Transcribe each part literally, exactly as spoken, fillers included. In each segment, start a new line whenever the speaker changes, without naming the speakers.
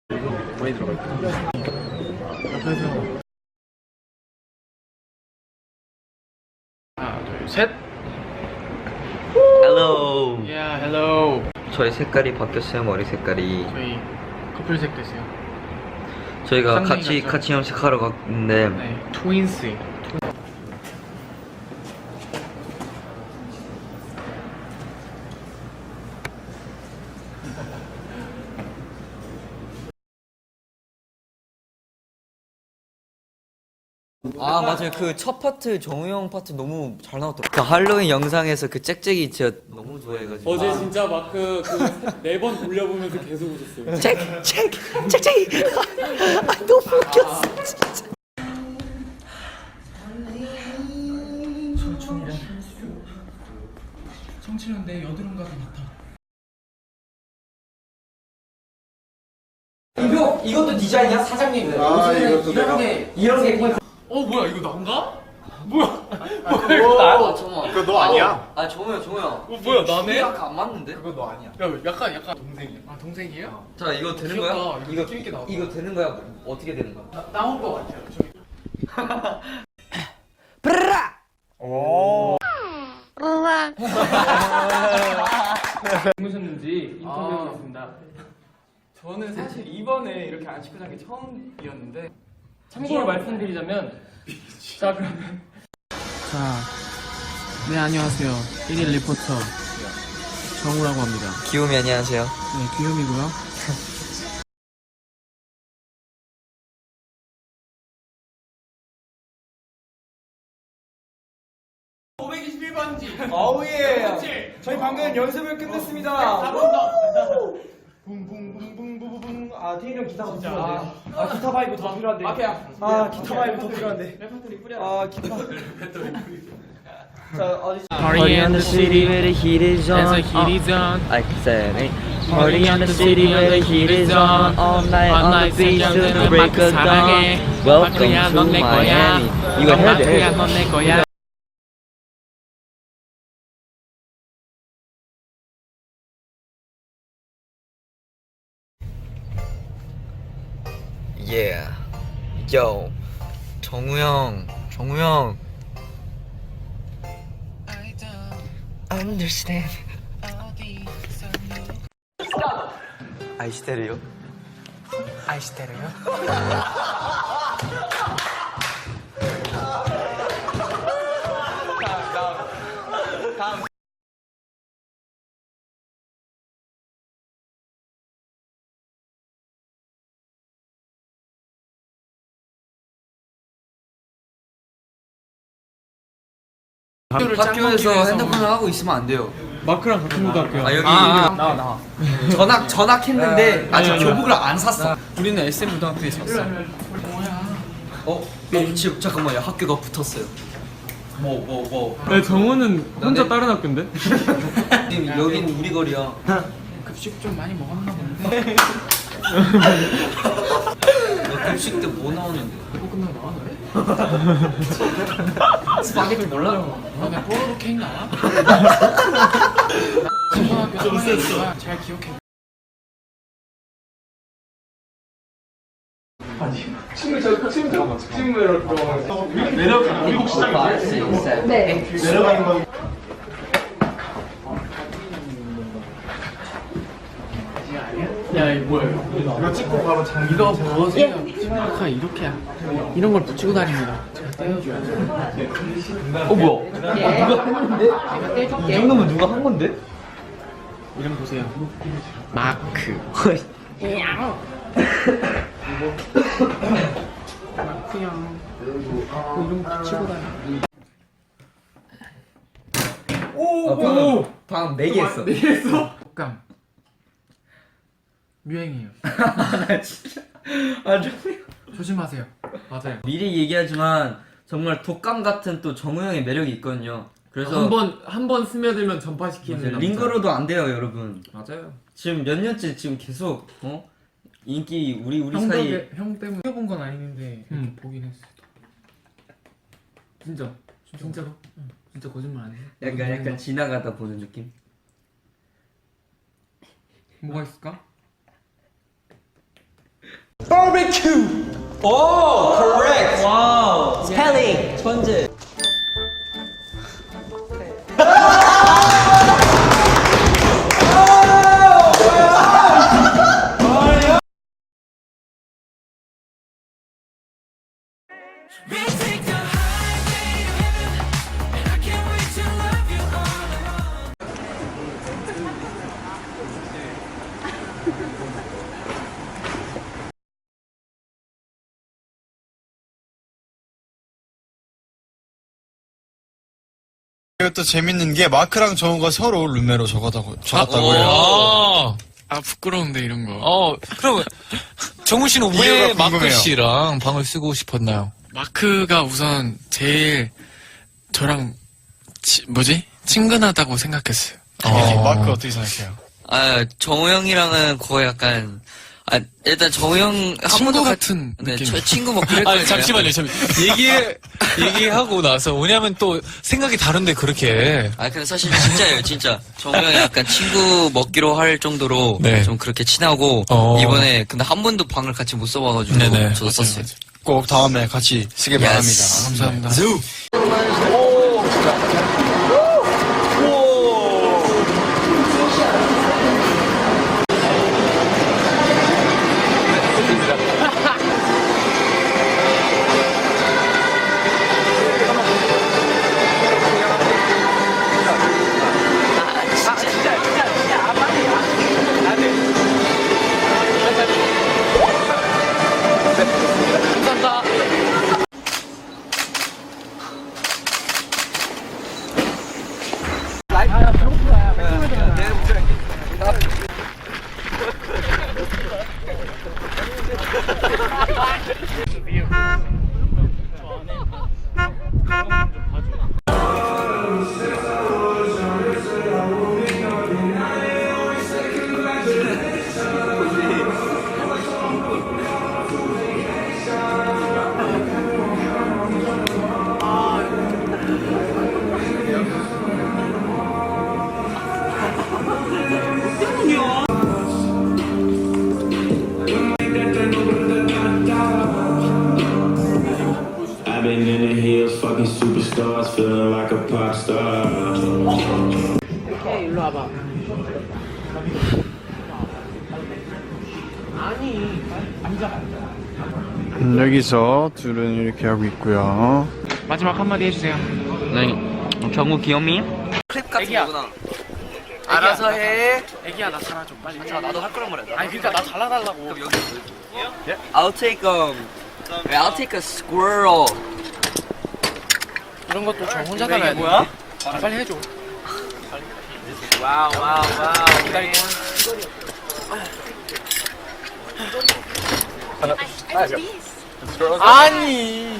많이 들어가 있고. 하나, 둘, 셋.
Hello.
Yeah, hello.
저희 색깔이 바뀌었어요. 머리 색깔이.
저희 커플색 됐어요.
저희가
쌍둥이
같이
같죠?
같이 염색하러 갔는데
네, 트윈스.
아 맞아요. 그 첫 파트 정우 형 파트 너무 잘 나왔더라고요. 그 할로윈 영상에서 그 짹짹이 진짜 너무 좋아해가지고
어제 진짜 마크 그네 번 돌려보면서 계속 웃었어요.
짹! 짹! 짹짹이! 아 너무 웃겼어 진짜.
청춘은 내 여드름과 같아.
이거 이것도 디자인이야? 사장님.
아, 이것도 내가.
게 이런 게 있고.
어 뭐야 이거 난가? 뭐야?
뭐야 이거
아 정우.
그거 너 아니야?
아 정우 형 정우 형.
어 뭐야 나네?
약간 안 맞는데?
그거 너 아니야.
야 약간 약간 동생이야. 아 동생이에요?
자 이거 되는
귀엽다.
거야?
이거
이거
재밌게 나왔다.
이거 되는 거야? 어떻게 되는 거야?
나, 나온 거 같아요. 저기.
브라!
주무셨는지 인터뷰하겠습니다.
아.
저는 사실 이번에 이렇게 안 씻고 잔 게 처음이었는데 참고로 말씀드리자면 자 그러면
자, 네 안녕하세요. 일일 리포터 정우라고 합니다.
기욤이 안녕하세요.
네 귀요미고요. 오백이십일 번지.
어우 예. 저희 방금 연습을 끝냈습니다. 한 번 더. 붕붕붕붕붕붕. 아 태일이 형 기타가 더 필요한데. 아 기타 바이브 더 필요한데. 마피아. 아 기타 바이브 더 필요한데. 레퍼토리 뿌려. 아 기타. 자 어디?
Party in the city where the heat is on.
As the heat is on.
I said it. Party in the city where the heat is on. All night on the beach till the break of dawn. Welcome to Miami. 이거 해야 돼. 해야 돼.
넌내 거야.
Yeah. Yo. 정우 형. 정우 형. Understand. 아이시테르요?
아이시테르요?
학교에서 핸드폰을 하고 있으면 안 돼요.
마크랑 같은 고등학교야.
아 여기
아,
여기 나와 나와. 전학 전학했는데 아직
아니, 아니.
교복을 안 샀어.
우리는 에스엠 고등학교에 샀어.
어? 어 지금 잠깐만요. 학교가 붙었어요. 뭐 뭐 뭐.
네, 정우는 혼자
나네.
다른 학교인데?
지금 여긴 우리 거리야.
급식 좀 많이 먹었나 본데.
너 급식 때 뭐 나오는데?
볶음면 나와 너네?
스파게티 몰라?
너네 뽀로로 케이크 나와? 초등학교 선생님이지만 잘 기억해.
네.
내려가는 건
야 이거 뭐야?
이거 찍고 바로 장기.
이거 벗으면 아까 이렇게 이런 걸 붙이고 다닙니다. 제가 떼어줘야 돼.
어 뭐야? 누가 했는데? 이 정도면 누가 한 건데?
이름 보세요. 마크. 마크형. 이름 붙이고 다녀.
오! 방금 방금 네 개 했어.
네 했어? 독감. 유행이에요.
나 진짜 아 좀.
조심하세요. 맞아요.
미리 얘기하지만 정말 독감 같은 또 정우 형의 매력이 있거든요. 그래서
한 번 한 번 스며들면 전파시키는
맞아요.
남자.
링거로도 안 돼요, 여러분.
맞아요.
지금 몇 년째 지금 계속 어 인기 우리 우리
형
사이.
덕에 형 때문에 해본 건 아닌데
음.
보긴 했어. 진짜 진짜로? 응. 진짜 거짓말 안 해.
약간 약간 지나가다 보는 느낌.
뭐가 있을까?
바베큐. 오, correct. 와우. 스펠링 천재.
그리고 또 재밌는 게 마크랑 정우가 서로 룸메로 적었다고 적었다고 해요.
아, 아 부끄러운데 이런 거.
어, 그럼 정우 씨는
이유가
왜 마크
궁금해요.
씨랑 방을 쓰고 싶었나요?
마크가 우선 제일 저랑 치, 뭐지 친근하다고 생각했어요.
어, 마크 어떻게 생각해요?
아, 정우 형이랑은 거의 약간, 아, 일단 정우 형, 한
친구
번도
같은
네,
느낌.
저 친구 뭐 그랬거든요.
아니, 잠시만요, 잠시만요. 얘기, 얘기하고 나서, 왜냐면 또 생각이 다른데, 그렇게.
아, 근데 사실 진짜예요, 진짜. 정우 형이 약간 친구 먹기로 할 정도로
네.
좀 그렇게 친하고,
어.
이번에 근데 한 번도 방을 같이 못 써봐가지고,
네네.
저도 썼어요.
꼭 다음에 같이 쓰길
Yes.
바랍니다.
감사합니다.
I've been in the hills, fucking superstars, feeling like a pop star.
오케이, 일로 와봐. 아니, 앉아.
여기서 둘은 이렇게 하고 있고요.
마지막 한마디 해주세요.
네. 정우 귀염이? 클립 같은
애기야.
거구나.
알아서 해. 애기야, 나 살아줘, 빨리.
자, 나도 할 거란 말이야.
아니, 그러니까 나 잘라달라고.
그럼 여기. I'll take um, I'll take a squirrel.
이런 것도 저 혼자 달아야 돼. 뭐야? 아, 빨리 해줘.
와우, 와우, 와우.
기다릴게. 아니.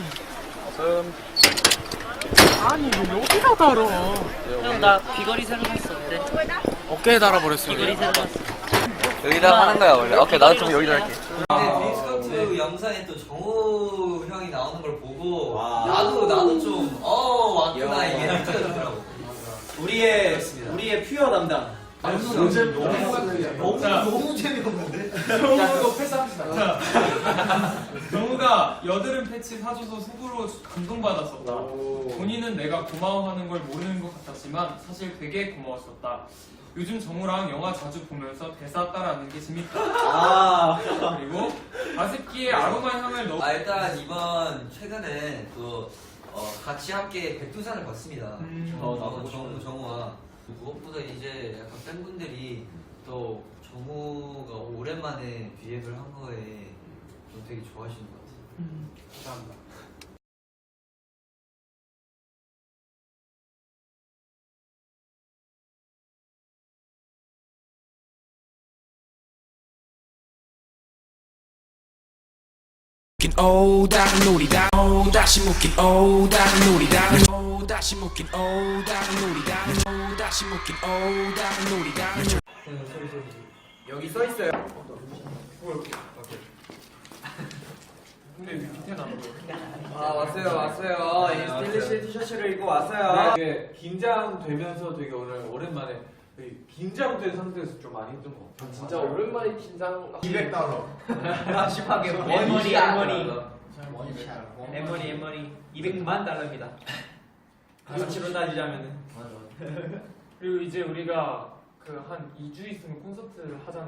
아니, 왜 여기다 달아?
형, 나 귀걸이 새로 샀어. 어때?
어깨에 달아버렸어요.
귀걸이 새로 샀어.
여기다 하는 거야 원래. 오케이, 나도 좀 여기다 할게. 근데 빈스커트 영상에 또 정우 형이 나오는 걸 보고 나도 나도 좀 어 왔구나 이게 느껴지더라고.
우리의 우리의 퓨어 담당.
너무 너무 재미없는데?
정우도 패스합시다. 정우가 여드름 패치 사줘서 속으로 감동받았었다. 본인은 내가 고마워하는 걸 모르는 것 같았지만 사실 되게 고마웠었다. 요즘 정우랑 영화 자주 보면서 대사 따라하는 게 재밌다. 아. 그리고 가습기에 아로마 향을 넣어.
아 일단 이번 최근에 또 어, 같이 함께 백두산을 봤습니다.
음.
어, 나도 정우 정우와 무엇보다 이제 약간 팬분들이 또 정우가 오랜만에 비앱을 한 거에 좀 되게 좋아하시는 것 같아요.
감사합니다.
오 다른 놀이다 오 다시 묶인 오 다른 놀이다 오 다시 묶인 오 다른 놀이다 오 다시 묶인 오 다른 놀이다
여기 써 있어요. 근데 밑에 나온 거. 아 왔어요 왔어요. 이 스틸리시 티셔츠를 입고 왔어요.
되게 긴장되면서 되게 오늘 오랜만에
긴장된 상태에서 좀 많이 힘든 것 같아요.
진짜 오랜만에 긴장.
이백 달러.
심하게
엠머니 엠머니
엠머니
엠머니 엠머니 이백만 달러입니다. 가치로 따지자면은.
그리고 이제 우리가 그 한 이 주 있으면 콘서트를 하잖아.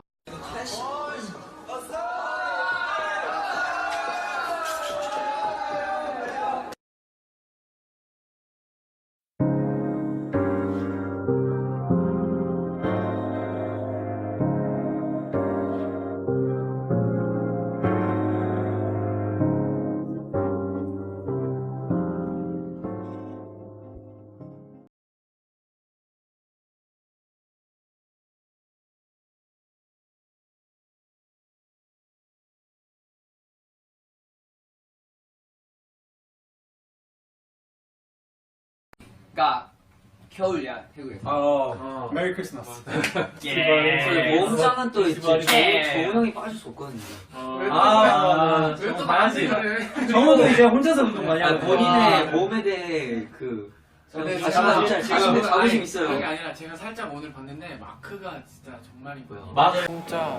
그러니까 겨울이야 태국에서.
어. 메리 크리스마스.
예. 몸짱은 또 이제 조- 조용히 빠질 수 없거든요.
아,
왜또
나한테
나한테
정우도 이제 혼자서 운동 많이
아,
하고.
본인의 몸에 대해 그
근데
자신감
제가-
자신감
아니,
자부심 있어요.
그게 아니라 제가 살짝 오늘 봤는데 마크가 진짜 정말이고요.
맞아.
진짜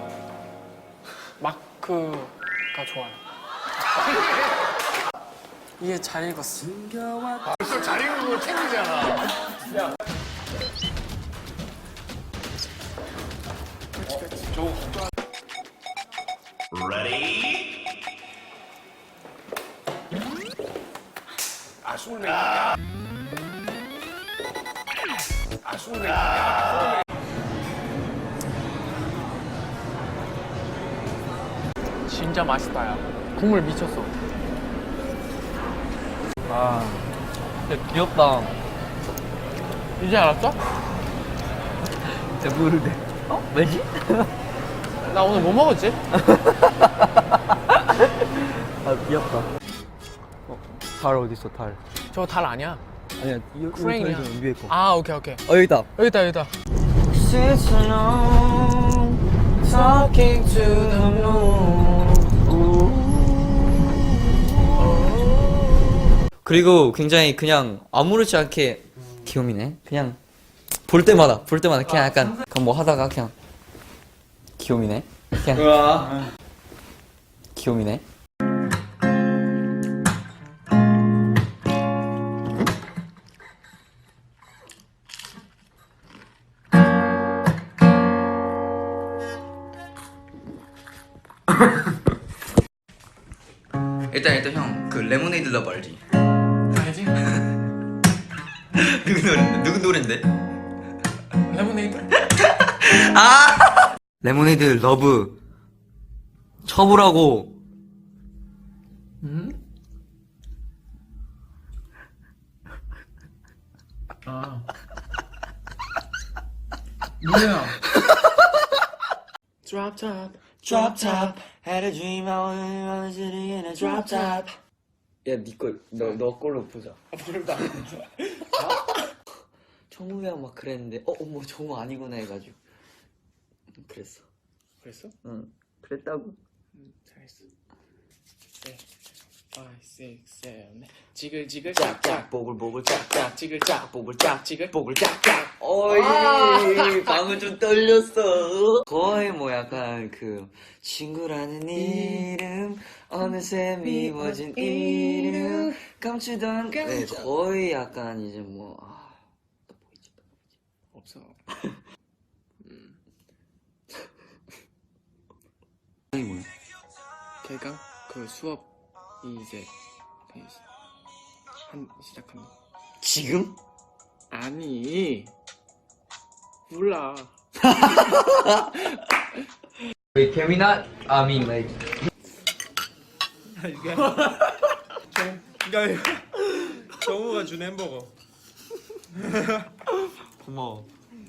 마크가 좋아요. 이게 잘 읽었어. 벌써 잘 읽은 걸 챙기잖아. 진짜 맛있다, 야. 국물 미쳤어.
아, 진짜 귀엽다.
이제 알았어?
진짜 모르는데. 어? 왜지?
나 오늘 뭐 먹었지?
아 귀엽다. 어, 달 어디 있어 달?
저거 달 아니야.
아니야 이
크레인이야.
위에 거.
아, 오케이, 오케이.
어 여기 있다.
여기 있다, 여기 있다.
Talking to the moon. 그리고 굉장히 그냥 아무렇지 않게 귀요미네. 그냥 볼 때마다 볼 때마다 그냥 약간 그냥 뭐 하다가 그냥 귀요미네. 그냥 귀요미네. 일단 일단 형 그 레모네이드 러브 알지?
알지?
누구 노래 누구 노래인데?
레모네이드?
아 레모네이드 러브 쳐보라고.
음? 아. 뭐야? Drop top.
Drop top had a dream I was sitting in a drop top. 야니걸너너 걸로 보자.
모른다.
정우랑 막 그랬는데 어 어머 정우 아니구나 해가지고 그랬어.
그랬어?
응 그랬다고.
응, 잘했어. 네. five, six, seven. 지글지글
짝짝
짝짝.
보글보글 짝짝
지글짝.
보글 짝
지글.
보글 짝짝. 어이 방금 좀 떨렸어. 거의 뭐 약간 그 친구라는 이름 어느새 미워진 이름 감추던 네 거의 약간 이제 뭐 아, 또 보이지 또 보이지.
없어.
이게 뭐야?
걔가 그 수업이 이제 한 시작한다.
지금?
아니 몰라.
Wait, can we not? I mean, like.
그러니까 정우가 준 햄버거.
고마워.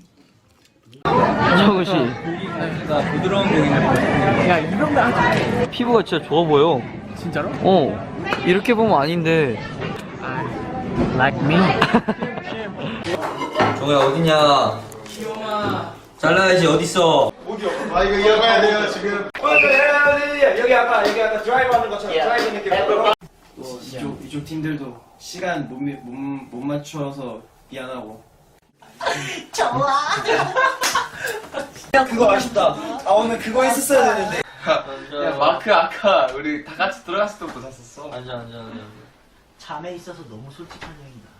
정우 씨, 나 부드러운 고기인데.
야, 이런 거 하지.
피부가 진짜 좋아 보여.
진짜로?
어, 이렇게 보면 아닌데.
Like me.
정우야 어디냐?
귀여워.
잘라야지 어딨어?
아 이거 이어가야 돼요 지금.
여기 아까 여기 아까 드라이브 하는 것처럼 드라이브 느낌으로.
이쪽 이쪽 팀들도 시간 못, 미- 못, 못 맞춰서 미안하고
그거 아쉽다. 아 오늘 그거 했었어야 되는데.
야 마크 아까 우리 다 같이 들어갔을 때부터 샀었어.
앉아 앉아 앉아.
잠에 있어서 너무 솔직한 형이다.